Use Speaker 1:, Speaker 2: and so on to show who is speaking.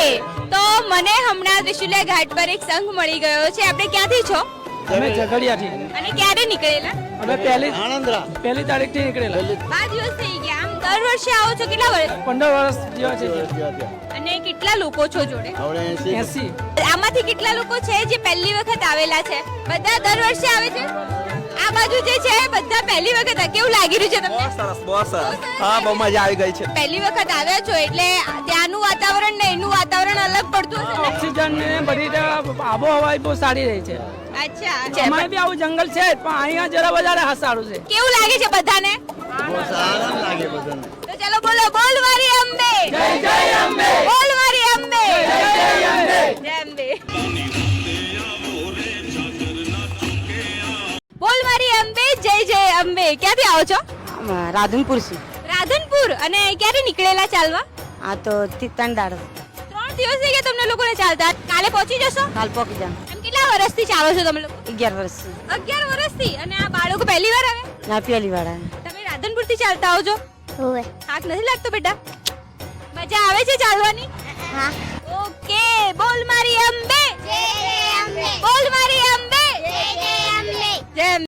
Speaker 1: તો મને હમણાં ત્રિશુલિયા ઘાટ પર એક સંઘ મળી ગયો છે. આપણે ક્યાંથી છો
Speaker 2: અમે ઝઘડિયાથી
Speaker 1: અને ક્યારે નીકળેલા?
Speaker 2: અમે પહેલી તારીખથી નીકળેલા.
Speaker 1: 5 દિવસ થઈ ગયા. આમ દર વર્ષે આવો છો? કેટલા વર્ષ?
Speaker 2: 15 વર્ષ જેવા છે.
Speaker 1: અને કેટલા લોકો છો જોડે?
Speaker 2: 80.
Speaker 1: આમાંથી કેટલા લોકો છે જે પહેલી વખત આવેલા છે? બધા દર વર્ષે આવે છે? આ બાજુ જે છે બધા પહેલી વખત. કેવું લાગી રહ્યું છે તમને?
Speaker 3: બહુ સરસ. હા, બહુ મજા આવી ગઈ છે.
Speaker 1: પહેલી વખત આવ્યા છો એટલે ત્યાંનું વાતાવરણ ને એનું વાતાવરણ અલગ પડતું હશે ને?
Speaker 2: ઓક્સિજન ને બધી રીતે આબોહવા બહુ સારી રહી છે.
Speaker 1: અચ્છા.
Speaker 2: અમારે બી આવું જંગલ છે જ, પણ અહીંયા જરા વધારે સારું છે.
Speaker 1: કેવું લાગે છે બધાને? તો ચાલો બોલો, બોલ મારી અંબે,
Speaker 2: જય જય અંબે,
Speaker 1: બોલ મારી અંબે,
Speaker 2: જય જય અંબે.
Speaker 1: જય અંબે. બોલ મારી અંબે, જય જય અંબે. ક્યાંથી આવો છો?
Speaker 4: રાધનપુર છે.
Speaker 1: રાધનપુર. અને ક્યારે નીકળેલા ચાલવા?
Speaker 4: આ તો 3 દાડ
Speaker 1: 3 દિવસ થઈ ગયા તમને લોકોને ચાલતા. કાલે પહોંચી જશો?
Speaker 4: કાલ પોકી જામ.
Speaker 1: એમ કેટલા વર્ષથી ચાલો છો તમે લોકો?
Speaker 4: 11 વર્ષ
Speaker 1: 11 વર્ષથી. અને આ બાળકો પહેલી વાર આવે?
Speaker 4: ના પેલી વાળા
Speaker 1: તમે રાધનપુર થી ચાલતા આવો છો?
Speaker 4: હોવે.
Speaker 1: થાક નથી લાગતો બેટા? મજા આવે છે ચાલવાની?
Speaker 4: હા.
Speaker 1: ઓકે. બોલ મારી અંબે, બોલ મારી અંબે, જય અંબે.